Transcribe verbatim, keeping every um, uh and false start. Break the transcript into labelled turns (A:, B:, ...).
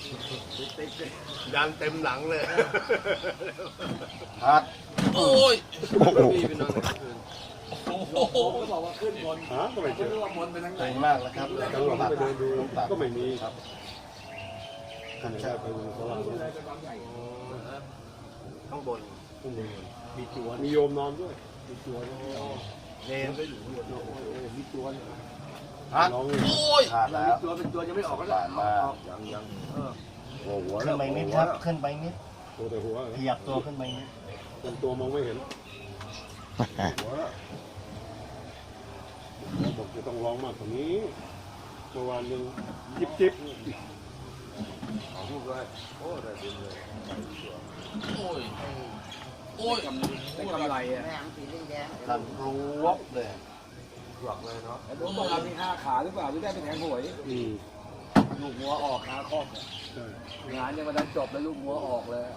A: ยันเต็มหลังเลย
B: ฮัด
C: โอ้ย
A: พี่ไปนอนคืน
C: โอ้โห
D: ก็บอกว่าขึ้นบน
E: หาก็ไม่เจ
D: ไม่
E: อ
D: รู้ว่าบนไปทางไหน
B: เก่งมากนะครับ
E: กลางวันไปเดินดูก็ไม่มี
B: ครับ
E: ขนาดได้ไปดูเขาว่า
A: ข้างบน
E: ต้องดูมีจวนมีโยมนอนด้วยมีจวน
A: เนนก็อยู่ข้างบน
E: มีจวน
B: ฮัด
E: น้อง
C: โอ้ย
B: ขาดแล้ว
D: ตัวเป็นตัวยังไม่ออกก็
B: ผ่านมา
A: ยังยัง
E: หัวหัว
B: ขึ้นไปนิดครับขึ้นไปนิด
E: ตัวแต่หัว
B: ขยับตัวขึ้นไปนิด
E: เป็นตัวมองไม่เห็นหัวบอกจะต้องร้องมากกว่านี้เมื่อวานยังจิบจิบ
A: ของพูดไว้โอ้ได้ดินเลย
C: โอ้ยโอ้ย
D: ได้กำไรอ่ะ
B: ทันรู้วบเลย
A: หลอกเลยเนาะ
D: แต่ผมบอกเรามีห้าขาหรือเปล่าหรือได้เป็นแทงหวย
E: อืม
D: ลูกหัวออกขาคอก
E: ใช่
D: งานยังมาดันจบแล้วลูกหัวออกเลย